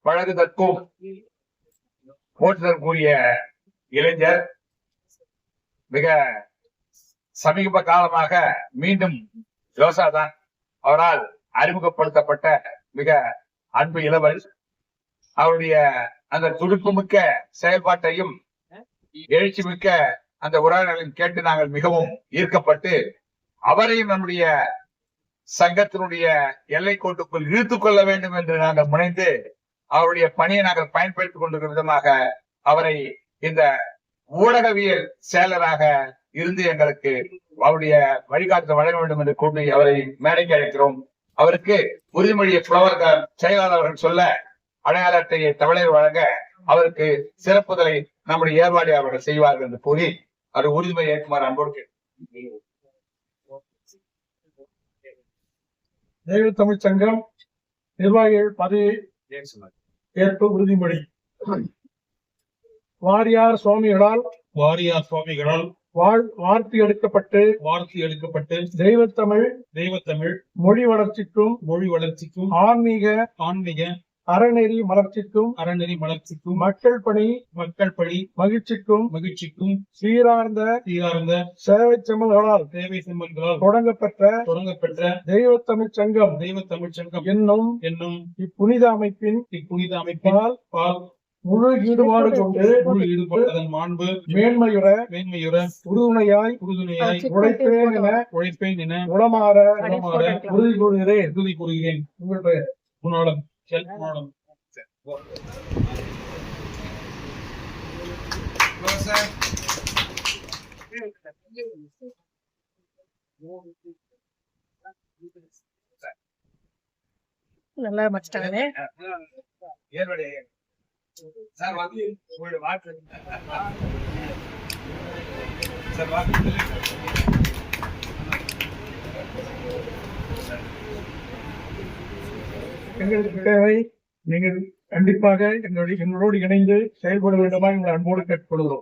பழகுதற்கும் போற்றுதற்குரிய இளைஞர். மிக சமீப காலமாக மீண்டும் யோசாதான் அவரால் அறிமுகப்படுத்தப்பட்ட மிக அன்பு இளவல். அவருடைய அந்த துடிப்புமிக்க செயல்பாட்டையும் எழுச்சி மிக்க அந்த உரையாடலையும் கேட்டு நாங்கள் மிகவும் ஈர்க்கப்பட்டு அவரையும் நம்முடைய சங்கத்தினுடைய எல்லை கோட்டுக்குள் இழுத்துக் கொள்ள வேண்டும் என்று நாங்கள் முனைந்து அவருடைய பணியை நாங்கள் பயன்படுத்திக் கொண்டிருக்கிற விதமாக அவரை இந்த ஊடகவியல் செயலராக இருந்து எங்களுக்கு அவருடைய வழிகாட்டு வழங்க வேண்டும் என்று கூறி அவரை மேடைக்கு அழைக்கிறோம். அவருக்கு உறுதிமொழியை புலவர் செயலாளர் அவர்கள் சொல்ல அடையாள அட்டையை தமிழர் வழங்க அவருக்கு சிறப்புதலை நம்முடைய ஏற்பாடு அவர்கள் செய்வார்கள் என்று கூறி அவர் உறுதிமொழி ஏற்குமாறு அன்போடு தெய்வ தமிழ் சங்கம் நிர்வாகிகள் பதவி ஏற்பு உறுதிமொழி. வாரியார் சுவாமிகளால் வார்த்தை எடுக்கப்பட்டு தெய்வத்தமிழ் மொழி வளர்ச்சிக்கும் ஆன்மீக அறநெறி மலர்ச்சிக்கும் மக்கள் பணி மகிழ்ச்சிக்கும் சீரார்ந்த சேவை செம்மல்களால் தொடங்கப்பெற்ற தெய்வத்தமிழ் சங்கம் என்னும் இப்புனித அமைப்பின் முழு ஈடுபாடு கொண்டு அதன் மாண்பு மேன்மையுற உறுதுணையாய் உழைப்பேன் என உளமாற உறுதி கூறுகிறேன். உங்கள் பெயர்? குணாளன். நல்லா மச்சிட்டாங்களே. சார் வந்து உங்களுடைய வாக்கு சார் வாக்கு எங்களுக்கு தேவை. நீங்கள் கண்டிப்பாக எங்களோடு இணைந்து செயல்பட வேண்டுமா எங்களை அன்போடு கேட்டுக்கொள்கிறோம்.